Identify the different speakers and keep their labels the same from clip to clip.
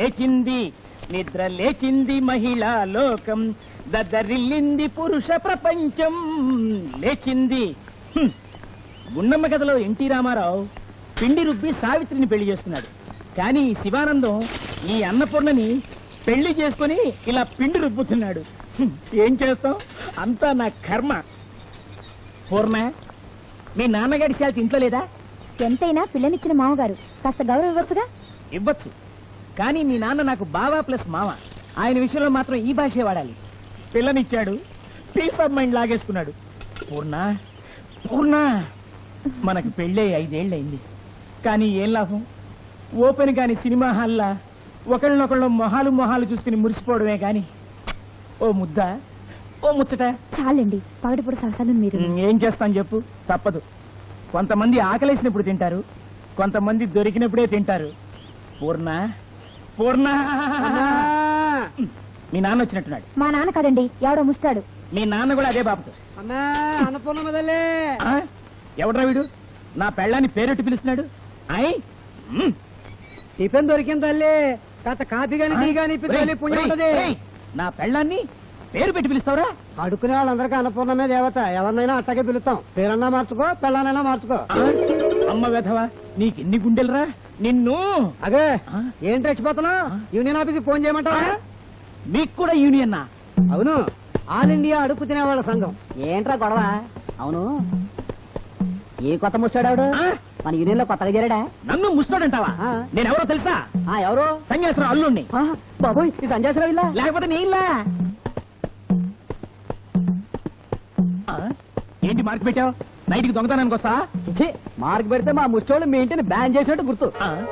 Speaker 1: లేచింది నిద్ర లేచింది మహిళా లోకం దద్దరిల్లింది పురుష ప్రపంచం లేచింది గుండమ్మ కథలో ఎన్టీ రామారావు పిండి రుబ్బి సావిత్రిని పెళ్లి చేస్తున్నాడు. కానీ ఈ శివానందం ఈ అన్నపూర్ణని పెళ్లి చేసుకుని ఇలా పిండి రుబ్బుతున్నాడు. ఏం చేస్తాం, అంతా నా కర్మ. పూర్ణ, మీ నాన్నగారి శాలరీ ఇంట్లో లేదా?
Speaker 2: ఎంతైనా పిల్లనిచ్చిన మామగారు, కాస్త గౌరవం ఇవ్వచ్చుగా.
Speaker 1: ఇవ్వచ్చు, కానీ మీ నాన్న నాకు బావా ప్లస్ మామ. ఆయన విషయంలో మాత్రం ఈ భాషే వాడాలి. పిల్లనిచ్చాడు, పీస్ ఆఫ్ మైండ్ లాగేసుకున్నాడు. పూర్ణ పూర్ణ, మనకు పెళ్ళే 5 ఏళ్ళయింది. కానీ ఏం లాభం? ఓపెన్ కాని సినిమా హాల్లా ఒకళ్ళనొకళ్ళు మొహాలు చూసుకుని మురిసిపోవడమే కాని ఓ ముద్ద, ఓ ముచ్చట.
Speaker 2: చాలండి, పగటిపూట సరసాలు మీరు.
Speaker 1: ఏం చేస్తాను చెప్పు, తప్పదు. కొంతమంది ఆకలేసినప్పుడు తింటారు, కొంతమంది దొరికినప్పుడే తింటారు. పూర్ణ పూర్ణ, మీ నాన్న వచ్చినట్టున్నాడు.
Speaker 2: మా నాన్న కాదండి, ఎవడో ముస్తాడు.
Speaker 1: మీ నాన్న కూడా అదే బాబుతో. ఎవడ్రా వీడు నా పెళ్ళాన్ని పేరెట్టి పిలుస్తున్నాడు?
Speaker 3: టిఫిన్ దొరికింది తల్లి, కాస్త కాఫీ గాని టీ గాని పుణ్యం ఉంటది.
Speaker 1: నా పెళ్ళాన్ని పేరు పెట్టి పిలుస్తావురా?
Speaker 3: అడుక్కునే వాళ్ళందరికీ అన్నపూర్ణమే దేవత. ఎవరినైనా అట్టగే పిలుస్తాం. పేరన్నా మార్చుకో, పెళ్ళానైనా మార్చుకో.
Speaker 1: అమ్మ వెధవా, నీకెన్ని గుండెలరా నిన్ను.
Speaker 3: అదే ఏంటి రెచ్చిపోతున్నావు? యూనియన్ ఆఫీస్ ఫోన్ చేయమంటావా?
Speaker 1: మీకు కూడా యూనియన్నా?
Speaker 3: అవును, ఆల్ ఇండియా అడుక్కు తినే వాళ్ళ సంఘం.
Speaker 4: ఏంట్రా గొడవ? అవును, ఏ కొత్త ముస్తాడాడు? మన యూనియన్ లో కొత్తగా చేరాడా?
Speaker 1: నన్ను ముస్తాడంటావా? నేనెవరో తెలుసా?
Speaker 4: ఎవరు?
Speaker 1: సంజయశ్వరం అల్లుణ్ణి.
Speaker 4: బాబోయ్, ఈ సంజయశ్వరం ఇల్లా?
Speaker 1: లేకపోతే నీ ఇల్లా? ఏంటి మార్క్ పెట్టావు? నైట్కి దొంగతనానికి వస్తా?
Speaker 4: మార్క్ పెడితే మా ముష్టోళ్ళు మీ ఇంటిని బ్యాన్ చేసినట్టు గుర్తు.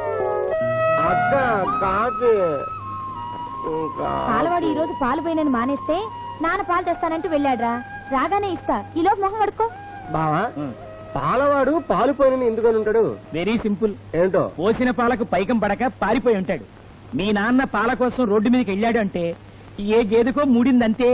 Speaker 2: పాలవాడు ఈ రోజు పాలు పోయినని మానేస్తే నాన్న పాలు తెస్తానంటూ వెళ్ళాడ్రా. రాగానే ఇస్తా, ఈలోపు మొహం కడుక్కో.
Speaker 3: బావా, పాలవాడు పాలు పోయిన ఎందుకని ఉంటాడు?
Speaker 1: Very simple.
Speaker 3: ఏంటో?
Speaker 1: పోసిన పాలకు పైకం పడక పారిపోయి ఉంటాడు. మీ నాన్న పాల కోసం రోడ్డు మీదకి వెళ్ళాడు అంటే ఏ గేదెకో మూడిందంతే.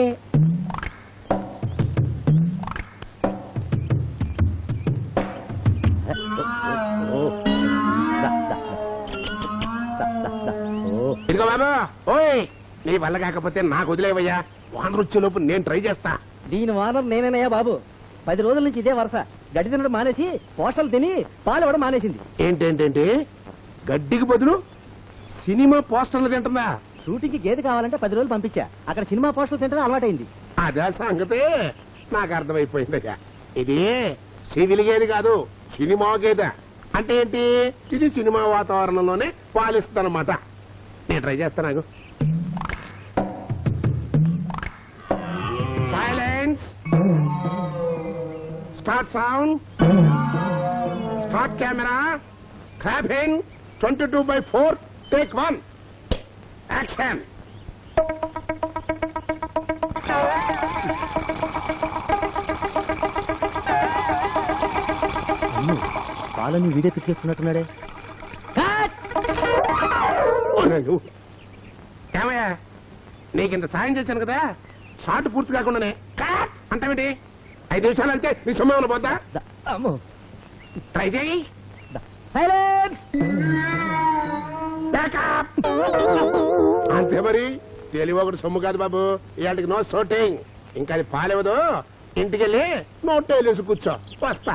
Speaker 5: ఇదిగో బాబా, ఓయ్, నీ వల్ల కాకపోతే నాకు వదిలేవయ్యా. వానరు వచ్చేలోపు నేను ట్రై చేస్తా.
Speaker 4: దీని వానర్ నేనేనయ్యా బాబు. 10 రోజుల నుంచి ఇదే వరుస. గడ్డి తినడం మానేసి పోస్టర్లు తిని పాలు ఇవ్వడం మానేసింది.
Speaker 5: ఏంటేంటేంటి, గడ్డికి బదులు సినిమా పోస్టర్లు తింటుందా?
Speaker 4: షూటింగ్ కి గేదె కావాలంటే 10 రోజులు పంపించా. అక్కడ సినిమా పోస్టర్లు తింటే అలవాటైంది.
Speaker 5: అదే సంగతి నాకు అర్థమైపోయిందయ్యా. ఇది సివిల్ గేది కాదు, సినిమా గేదె. అంటే ఏంటి, ఇది సినిమా వాతావరణంలోనే పాలిస్తుందన్నమాట. నేను ట్రై చేస్తాను. Silence, start sound, start camera, clapping, 22/4, take 1, action.
Speaker 4: పాలని వీడియో పిక్కిస్తున్నాడే.
Speaker 5: ఏమయ్యా, నీకింత సాయం చేశాను కదా, షార్ట్ పూర్తి కాకుండానే కట్ అంటావేంటి? 5 నిమిషాలు అంటే నీ సొమ్మేమన్నా పోద్దా? ట్రై చేయి.
Speaker 4: Silence,
Speaker 5: backup. అంతే మరి, తెలివి ఒకటి సొమ్ము కాదు బాబు. ఇవాటికి నో షూటింగ్. ఇంకా అది పాలేవదు. ఇంటికెళ్ళి నోట్ వేసి కూర్చో, వస్తా.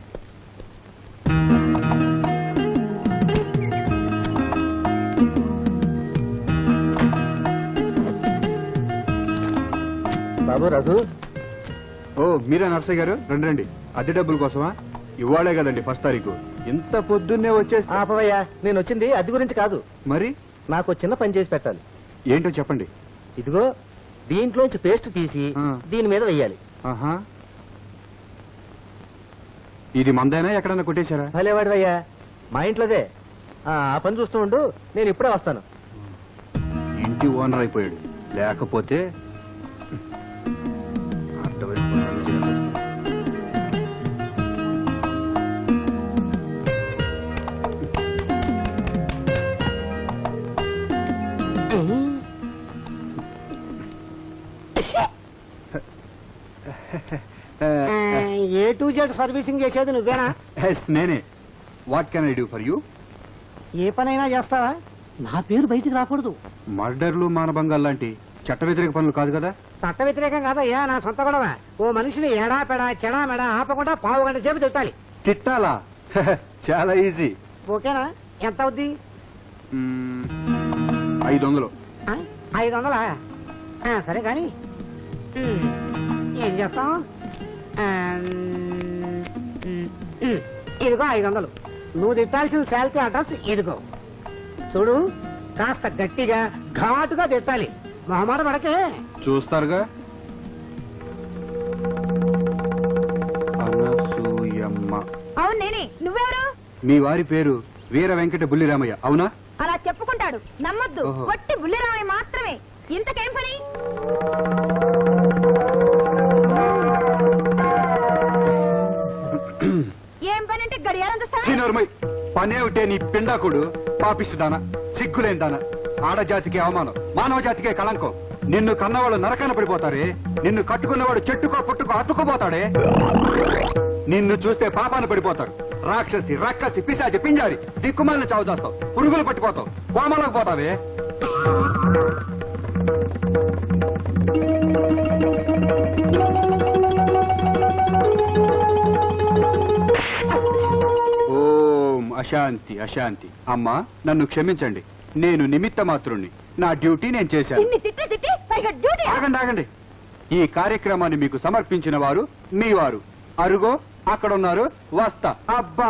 Speaker 3: బాబు రఘు.
Speaker 6: ఓ, మీరా నర్సయ్య గారు? రండి రండి. అద్దె డబ్బుల కోసమా? ఇవాళే కదండి 1వ తారీఖు. ఇంత పొద్దున్నే వచ్చేసి.
Speaker 3: ఆపవయ్యా, నేను వచ్చింది అద్దె గురించి కాదు.
Speaker 6: మరి
Speaker 3: నాకు చిన్న పని చేసి పెట్టాలి.
Speaker 6: ఏంటో చెప్పండి.
Speaker 3: ఇదిగో, దీంట్లోంచి పేస్ట్ తీసి దీని మీద వెయ్యాలి.
Speaker 6: ఆహా, ఇది మందైనా ఎక్కడన్నా కొట్టేశారా?
Speaker 3: భలేవాడివయ్యా, మా ఇంట్లోదే. ఆ పని చూస్తూ ఉండు, నేను ఇప్పుడే వస్తాను.
Speaker 6: ఇంటి ఓనర్ అయిపోయాడు. లేకపోతే
Speaker 3: ఏ టు జెడ్ సర్వీసింగ్ చేసేది నువ్వేనా?
Speaker 6: నేనే. What can I do for you?
Speaker 3: ఏ పనైనా చేస్తావా? నా పేరు బయటికి రాకూడదు.
Speaker 6: మర్డర్లు మానభంగాలు లాంటి చట్ట వ్యతిరేక పనులు కాదు కదా.
Speaker 3: చట్ట వ్యతిరేకం కాదయ్యా, నా సొంత గొడవ. ఓ మనిషిని ఎడా పెడా చెడా మెడా ఆపకుండా పావు గంట సేపు తిట్టాలి.
Speaker 6: తిట్టాలా? చాలా ఈజీ.
Speaker 3: ఓకేనా? ఎంత అవుద్ది?
Speaker 6: 500.
Speaker 3: 500? సరే కానీ ఏం చేస్తాం? ఇదిగో 500. నువ్వు తిట్టాల్సిన శాలరీ అడ్రస్ ఇదిగో. చూడు, కాస్త గట్టిగా ఘాటుగా తిట్టాలి. మొహమాట పడకే.
Speaker 6: చూస్తారుగా. అనసూయమ్మ.
Speaker 2: అవును నేనే. నువ్వెవరు?
Speaker 6: మీ వారి పేరు వీర వెంకట బుల్లిరామయ్య, అవునా?
Speaker 2: అలా చెప్పుకుంటాడు, నమ్మొద్దు.
Speaker 6: ఓహో.
Speaker 2: వట్టి బుల్లిరామయ్య మాత్రమే. ఇంతకేం పని? ఏం పని అంటే గడియారం చూస్తావా?
Speaker 6: చిన్నోర్మై, పనేమిటే నీ పిండాకుడు, పాపిస్తుదానా, సిగ్గులేందానా, ఆడజాతికి అవమానం, మానవ జాతికే కళంకం. నిన్ను కన్నవాళ్ళు నరకన పడిపోతారే, నిన్ను కట్టుకున్నవాడు చెట్టుకో పుట్టుకో అట్టుకుపోతాడే, నిన్ను చూస్తే పాపాన పడిపోతారు. రాక్షసి, రక్కసి, పిశాచి, పింజారి, దిక్కుమాలిన చావు చేస్తావు, పురుగులు పట్టిపోతావు, కోమలోకి పోతావే. ఓం అశాంతి అశాంతి. అమ్మా, నన్ను క్షమించండి, నేను నిమిత్త మాత్రుణ్ణి. నా డ్యూటీ నేను చేశాను.
Speaker 2: ఇన్ని తిట్టి తిట్టి పైగా డ్యూటీ.
Speaker 6: ఆగండి ఆగండి. ఈ కార్యక్రమాన్ని మీకు సమర్పించిన వారు మీ వారు. అరుగో అక్కడ ఉన్నారు, వస్తా. అబ్బా,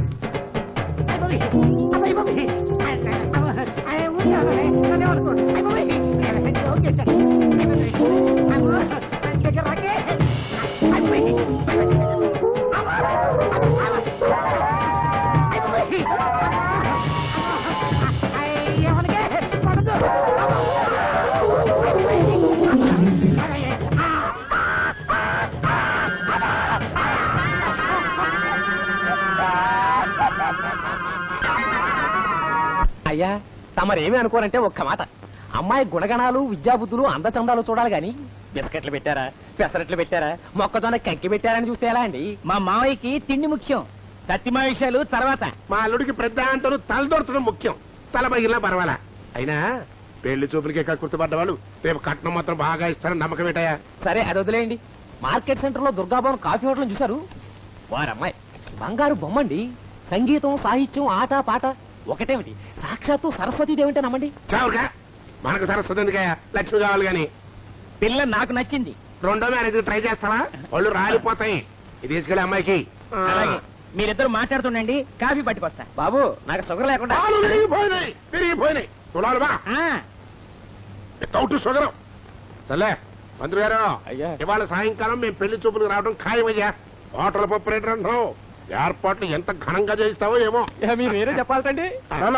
Speaker 1: అయ్యా, తమరేమి అనుకోరంటే ఒక్క మాట. అమ్మాయి గుణగణాలు, విద్యాబుద్ధులు, అందచందాలు చూడాలి గాని బిస్కెట్లు పెట్టారా, పెసరట్లు పెట్టారా, మొక్కజొన్న కంకి పెట్టారని చూస్తే ఎలా అండి? మా మావయ్యకి తిండి ముఖ్యం, తత్తిమా విషయాలు తర్వాత.
Speaker 5: మా అల్లుడికి పెద్ద అంతను తలదొరచడం ముఖ్యం. తల పగిలినా పర్వాలా. అయినా పెళ్లి చూపులకే కక్కుర్తిపడ్డ వాళ్ళు రేపు కట్నం మాత్రం బాగా ఇస్తారని నమ్మకం ఏంటయ్యా?
Speaker 1: సరే, అది వదిలేయండి. మార్కెట్ సెంటర్ లో దుర్గాభవన్ కాఫీ హోటల్ చూశారు? వారమ్మాయి బంగారు బొమ్మండి. సంగీతం, సాహిత్యం, ఆట పాట ఒకటేమిటి, సాక్షాత్తు సరస్వతీదేవింటే నమ్మండి.
Speaker 5: చావుగా మనకు సరస్వతి ఎందుకయ్యా, లక్ష్మి కావాలి గాని.
Speaker 1: పిల్ల నాకు నచ్చింది.
Speaker 5: రెండో మ్యారేజ్ ట్రై చేస్తావా? వాళ్ళు రాలిపోతాయి. ఇది తీసుకెళ్ళి అమ్మాయికి.
Speaker 1: అలాగే, మీరిద్దరు మాట్లాడుతుండండి, కాఫీ పట్టుకొస్తా. బాబు, నాకు షుగర్ లేకుండా.
Speaker 5: పాలు విరిగిపోయినాయి, విరిగిపోయినాయి. చూడాలి బా,
Speaker 1: ఆ,
Speaker 5: వితౌట్ షుగర్. సర్లే మంత్రి గారు,
Speaker 1: అయ్యా.
Speaker 5: ఇవాళ సాయంకాలం మేము పెళ్లి చూపులకు రావడం ఖాయమయ్యా. హోటల్ ఆపరేటర్ అంటున్నావు, ఏర్పాట్లు ఎంత ఘనంగా చేయిస్తావో ఏమో.
Speaker 1: మీరు వేరే చెప్పాలండి.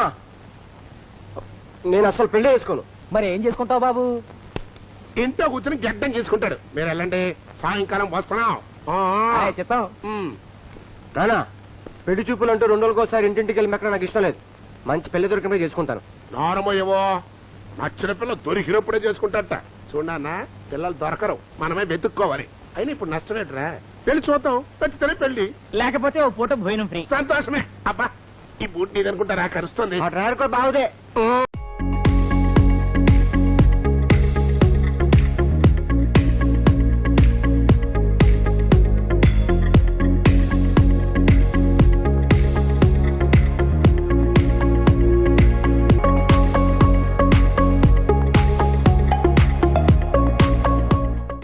Speaker 4: నేను అసలు పెళ్లి చేసుకోను.
Speaker 1: మరి ఏం చేసుకుంటావు బాబు?
Speaker 5: ఇంట్లో కూర్చొని గడ్డం చేసుకుంటాడు. మీరు వెళ్ళండి, సాయంకాలం వస్తున్నాం.
Speaker 1: చెప్తాం.
Speaker 4: నానా, పెళ్లి చూపులు అంటూ 2 రోజులకోసారి ఇంటింటికి వెళ్ళి మెక్కడ నాకు ఇష్టం లేదు. మంచి పెళ్లి దొరికినప్పుడే చేసుకుంటాను.
Speaker 5: నారమో ఏవో నచ్చిన పిల్ల దొరికినప్పుడే చేసుకుంటారట. చూడన్నా, పిల్లలు దొరకరు, మనమే వెతుక్కోవాలి. అయినా ఇప్పుడు నష్టమేట్రా, పెళ్లి చూద్దాం, ఖచ్చితంగా పెళ్లి.
Speaker 1: లేకపోతే ఓ పూట భోజనం ఫ్రీ.
Speaker 5: సంతోషమే. అబ్బా, ఈ బూట్ నీదనుకుంటారా, కరుస్తుంది.
Speaker 4: ఆ డ్రైవర్ కూడా బాగుదే.